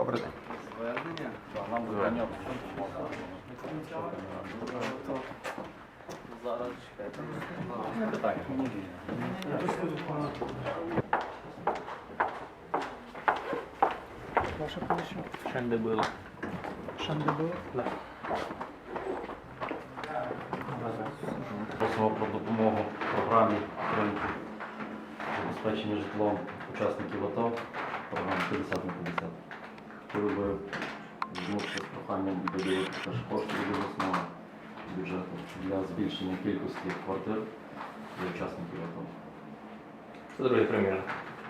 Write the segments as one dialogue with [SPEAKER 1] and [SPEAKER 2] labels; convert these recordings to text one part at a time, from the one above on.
[SPEAKER 1] Добрий день.
[SPEAKER 2] Звернення.
[SPEAKER 1] Нам звернення.
[SPEAKER 2] Зараз чекайте.
[SPEAKER 1] Питання.
[SPEAKER 3] Ваша комісія?
[SPEAKER 2] Шендебило.
[SPEAKER 3] Шандебо?
[SPEAKER 2] Да.
[SPEAKER 1] Просимо про допомогу програмі підтримки забезпечення житлом учасників АТО, програма 50 на 50. Хотіли би звернутися з проханням виділити теж кошти від обласного бюджету для збільшення кількості квартир для учасників АТО.
[SPEAKER 2] Це другий примір.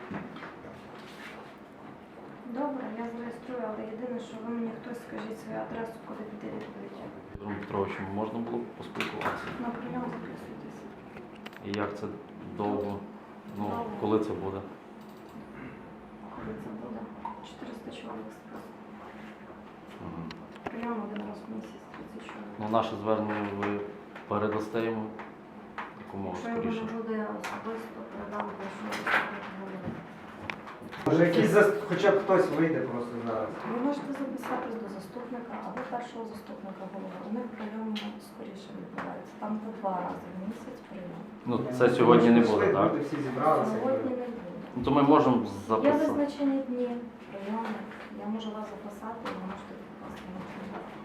[SPEAKER 4] Добре, я зареєструю, але єдине, що ви мені хтось скажіть свою адресу, куди піти відповідь.
[SPEAKER 1] Петром Петровичем можна було б поспілкуватися?
[SPEAKER 4] На прийом записуйтесь.
[SPEAKER 1] І як це довго? Ну,
[SPEAKER 4] Довго.
[SPEAKER 1] коли це буде?
[SPEAKER 4] Коли це буде? 400 чоловік списку.
[SPEAKER 1] Мгм.
[SPEAKER 4] Прийом один раз в місяць, 30 чоловік.
[SPEAKER 1] Ну, наше звернення ви передасте йому якомога
[SPEAKER 4] Якщо його
[SPEAKER 1] скоріше.
[SPEAKER 4] не буде особисто, передам вашу заступнику голови.
[SPEAKER 5] Може якийсь хоча б хтось вийде просто зараз.
[SPEAKER 4] Ви можете записатись до заступника або першого заступника голови. Вони прийом скоріше відбуваються. Там по 2 рази в місяць прийом.
[SPEAKER 1] Ну, це сьогодні не буде,
[SPEAKER 5] Швидко
[SPEAKER 1] так?
[SPEAKER 5] люди всі зібралися.
[SPEAKER 4] Сьогодні не буде.
[SPEAKER 1] Ну, то ми можемо
[SPEAKER 4] Є
[SPEAKER 1] записати.
[SPEAKER 4] визначені дні прийому. Я можу вас записати, і ви можете попасти на прийом.